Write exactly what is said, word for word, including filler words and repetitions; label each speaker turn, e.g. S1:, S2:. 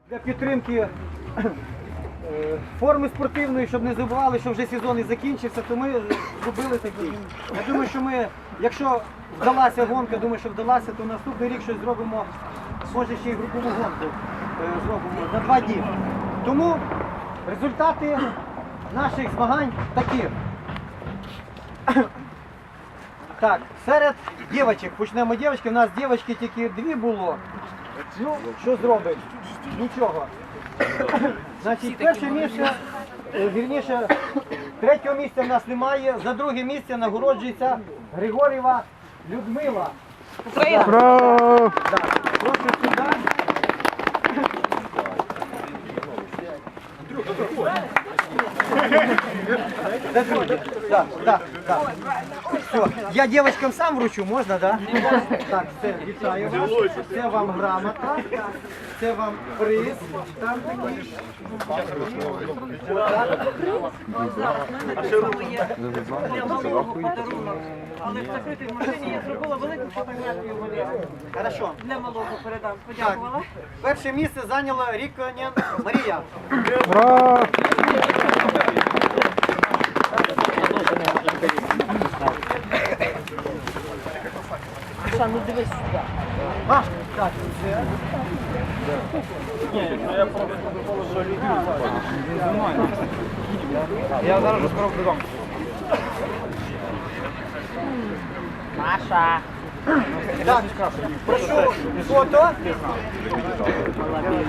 S1: Для підтримки форми спортивної, щоб не забували, що вже сезон і закінчився, то ми зробили такий. Я думаю, що ми, якщо вдалася гонка, думаю, що вдалася, то наступний рік щось зробимо, може ще й групову гонку е, зробимо за два дні. Тому результати наших змагань такі. Так, серед дівчаток, почнемо дівчатки, у нас дівчатки тільки дві було. Ну, що зробить? Нічого. Значить, перше місце, е, вірніше, третього місця в нас немає, за друге місце нагороджується Григорєва Людмила.
S2: Україна!
S3: Браво!
S1: Так, прошу сюди. Да, друге. Так, так, так. Все. Я девочкам сам вручу, можна, да? Так, все, вітаю вас. Це вам грамота, це вам приз. Там такий.
S2: Для малого подарунок. Але в закритій машині я зробила велику фотографію Валерію.
S1: Хорошо.
S2: Для малого передам.
S1: Так,
S2: Подякувала.
S1: перше місце зайняла Ріконен Марія.
S3: Браво!
S2: Ша, ну дивись сюди.
S1: А, так, це.
S3: Я зараз же скоро додому.
S2: Маша.
S1: Так, прошу фото.